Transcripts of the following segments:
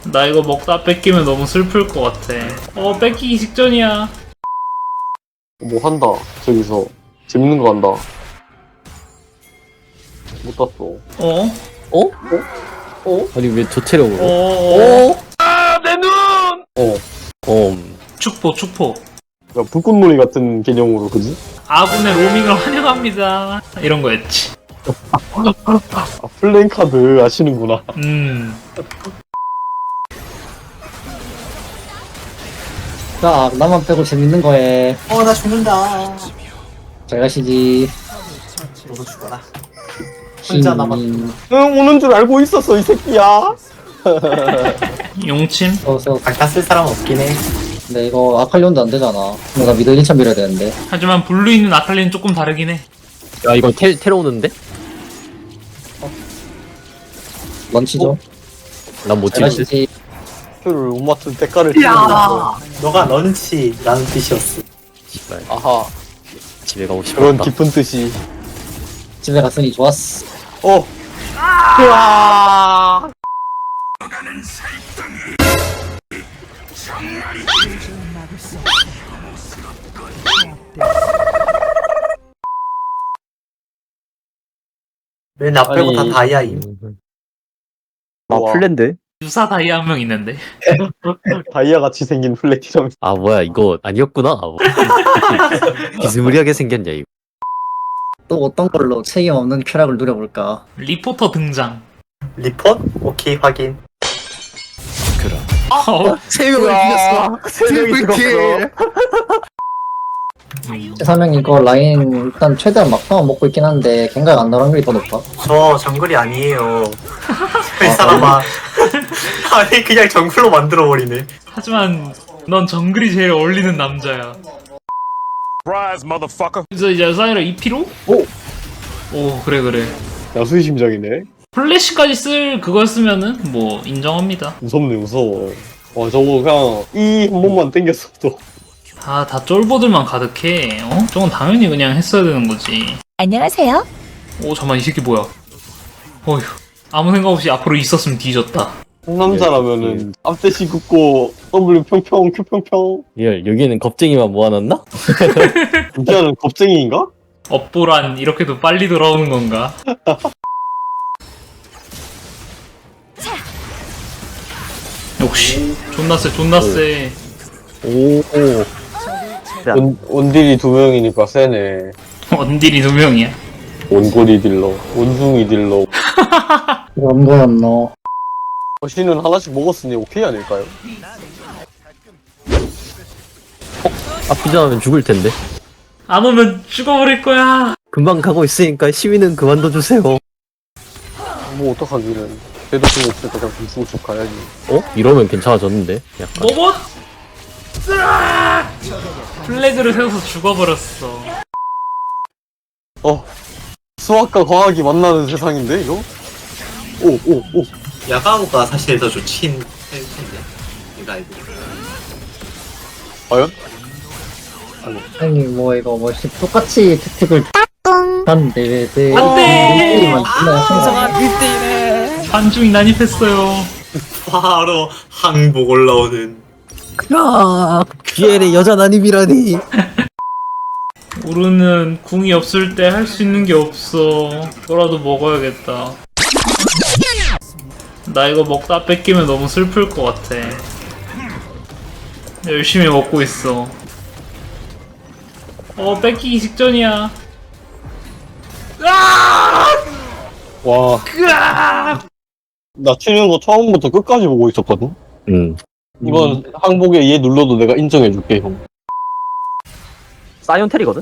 나 이거 먹다 뺏기면 너무 슬플 것 같아. 뺏기기 직전이야. 뭐 한다. 저기서 재밌는 거 한다. 못 땄어. 어? 아니 왜 저 체력으로? 내 눈! 축포. 야, 불꽃놀이 같은 개념으로, 그지? 아군의 로밍을 환영합니다. 이런 거였지. 아, 플랜카드 아시는구나. 자, 나만 빼고 재밌는 거에 나 죽는다. 잘 가시지. 너도 죽어라. 혼자 남았. 신 응, 오는 줄 알고 있었어, 이 새끼야. 용침? 어서. 아까 쓸 사람 없긴 해. 근데 이거 아칼리온도 안 되잖아. 내가 미들 1차 밀어야 되는데. 하지만 블루 있는 아칼리는 조금 다르긴 해. 야 이거 테러 오는데? 런치죠. 난 못 잘 찍을 듯. 가시지. 표를 못 맞춘 대가를 치르면서. 너가 런치라는 뜻이었어. 씨발 아하, 집에 가고 그런 싶었다. 깊은 뜻이. 집에 갔으니 좋았어. 으아! 왜 나 빼고 다 다이아임? 아 우와. 플랜드? 유사 다이아 한 명 있는데. 다이아 같이 생긴 플래티넘. 아 뭐야 이거 아니었구나. 아, 뭐. 비스무리하게 생겼냐 이거. 또 어떤 걸로 책임 없는 쾌락을 누려볼까? 리포터 등장. 리포트? 오케이, 확인. 세 명을 이겼어. 트리플킬. 최사명 이거 라인 일단 최대한 막상은 먹고 있긴 한데 갱각 안 나오는 게 더 높아. 저 정글이 아니에요. 이 사람아. 아니, 그냥 정글로 만들어버리네. 하지만 넌 정글이 제일 어울리는 남자야. 그래서 이제 사이라 2피로? 오 그래. 야수의 심장이네. 플래시까지 쓸 그걸 쓰면은 뭐 인정합니다. 무섭네, 무서워. 와, 저거 그냥 이 한 번만 땡겼어도. 다 쫄보들만 가득해. 저건 당연히 그냥 했어야 되는 거지. 안녕하세요. 잠깐만 이 새끼 뭐야? 어휴 아무 생각 없이 앞으로 있었으면 뒤졌다. 상남자라면은 앞대시 긋고 W 평평 Q 평평. 예, 여기는 겁쟁이만 모아놨나? 인기하는 겁쟁이인가? 업보란 이렇게도 빨리 돌아오는 건가? 역시 존나 세. 오. 원딜이 2명이니까 세네. 원딜이 2명이야. 원거리 딜러, 원숭이 딜러. 안 보였노. 거시는 하나씩 먹었으니 오케이 아닐까요? 아프지 않으면 죽을 텐데. 안 오면 죽어버릴 거야. 금방 가고 있으니까 시위는 그만둬 주세요. 뭐 어떡하기는. 걔도 좀 없으니까 그냥 좀 가야지. 이러면 괜찮아졌는데. 약간. 로봇! 으아! 플래그를 세워서 죽어버렸어. 수학과 과학이 만나는 세상인데 이거? 오. 야가오가 사실 더 좋긴 할 텐데. 이거 알고. 과연? 아니 뭐 이거 뭐 똑같이 택틱을 하는데 왜 안 돼! 만 반중이 난입했어요. 바로 항복 올라오는. 비엘의 여자 난입이라니. 우르는 궁이 없을 때 할 수 있는 게 없어. 그거라도 먹어야겠다. 나 이거 먹다 뺏기면 너무 슬플 것 같아. 열심히 먹고 있어. 뺏기기 직전이야. 와, 나 치는 거 처음부터 끝까지 보고 있었거든? 이번 항복에 얘 눌러도 내가 인정해줄게, 형. 사이언텔이거든?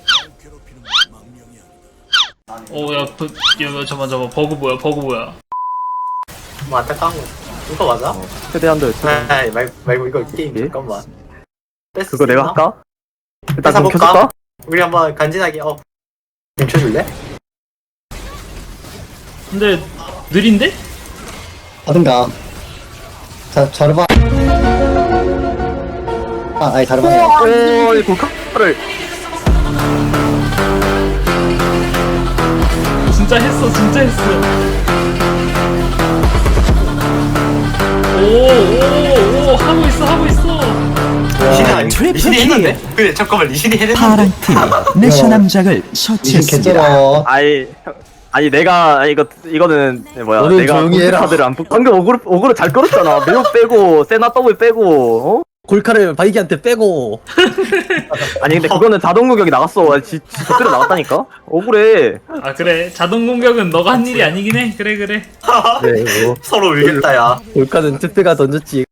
잠깐만, 버그 뭐야. 뭐 안타까운 거. 이거 맞아? 최대한도 아이, 말고 이거 게임 예? 잠깐만. 그거 내가 할까? 일단 뺏어 좀 볼까? 켜줄까? 우리 한번 간지나게 멈춰줄래? 근데 느린데? 하든가. 자, 자르바. 아니 자르바. 이 골카를. 진짜 했어. 오 하고 있어 하고 있어. 리신이 아니 리신이 했는데? 그래 잠깐만 리신이 했는데? 파랑팀이 내셔 남작을 이신 처치했습니다. 개쩔어. 아니 내가 이거는 뭐야 너는 내가 조용히 해라. 카드를 안 방금 어그로 잘 끌었잖아. 매우 빼고 세나 더블 빼고 어? 골카를 바이기한테 빼고. 아니 근데 그거는 자동 공격이 나갔어. 저대로 나갔다니까. 억울해. 아 그래 자동 공격은 너가 한 일이 아니긴 해. 그래. 네, 뭐 서로 울겠다 야. 골카는 특배가 던졌지.